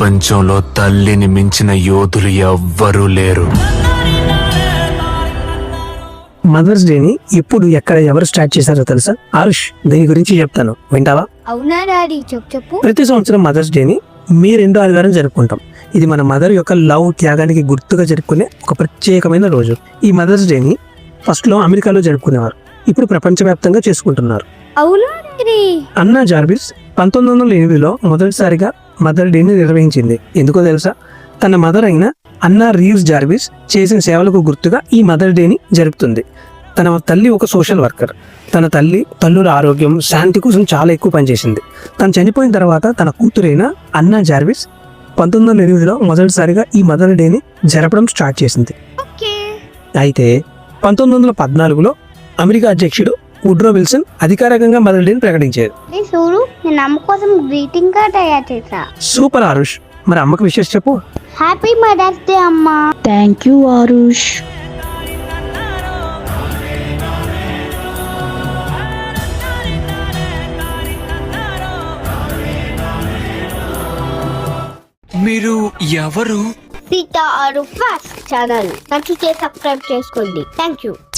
ప్రపంచంలో తల్లిని మించిన యోధులు ఎవ్వరూ లేరు. మదర్స్ డేని ఎప్పుడు ఎక్కడ ఎవరు స్టార్ట్ చేశారో తెలుసా? ఆరుష్, దీని గురించి చెప్తాను, వింటావా? అవునా డాడీ, చెప్పు. ప్రతి సంవత్సరం మదర్స్ డేని మే 2వ ఆదివారం జరుపుకుంటాం. ఇది మన మదర్ యొక్క లవ్, త్యాగానికి గుర్తుగా జరుపుకునే ఒక ప్రత్యేకమైన రోజు. ఈ మదర్స్ డేని ఫస్ట్ లో అమెరికాలో జరుపుకునేవారు, ఇప్పుడు ప్రపంచవ్యాప్తంగా చేసుకుంటున్నారు. అవునా డాడీ? అన్నా జార్విస్ 1908లో మొదటిసారిగా మదర్ డేని నిర్వహించింది. ఎందుకో తెలుసా? తన మదర్ అయిన అన్నా రీవ్స్ జార్విస్ చేసిన సేవలకు గుర్తుగా ఈ మదర్ డేని జరుపుతుంది. తన తల్లి ఒక సోషల్ వర్కర్. తన తల్లుల ఆరోగ్యం, శాంతి కోసం చాలా ఎక్కువ పనిచేసింది. తను చనిపోయిన తర్వాత తన కూతురైన అన్నా జార్విస్ 1908లో మొదటిసారిగా ఈ మదర్ డేని జరపడం స్టార్ట్ చేసింది. అయితే 1914లో అమెరికా అధ్యక్షుడు వుడ్రో విల్సన్ అధికారికంగా మదర్ డేని ప్రకటించారు. నేను అమ్మ కోసం గ్రీటింగ్ కార్డ్ తయారు చేశా. సూపర్ ఆరుష్, మరి అమ్మకు విషయం చెప్పు. హ్యాపీ మదర్స్ డే అమ్మా. Thank you Aarush. మీరు ఎవరు? సీతా ఆరు ఫాస్ట్ ఛానల్ నచ్చితే సబ్స్క్రైబ్ చేసుకోండి. Thank you.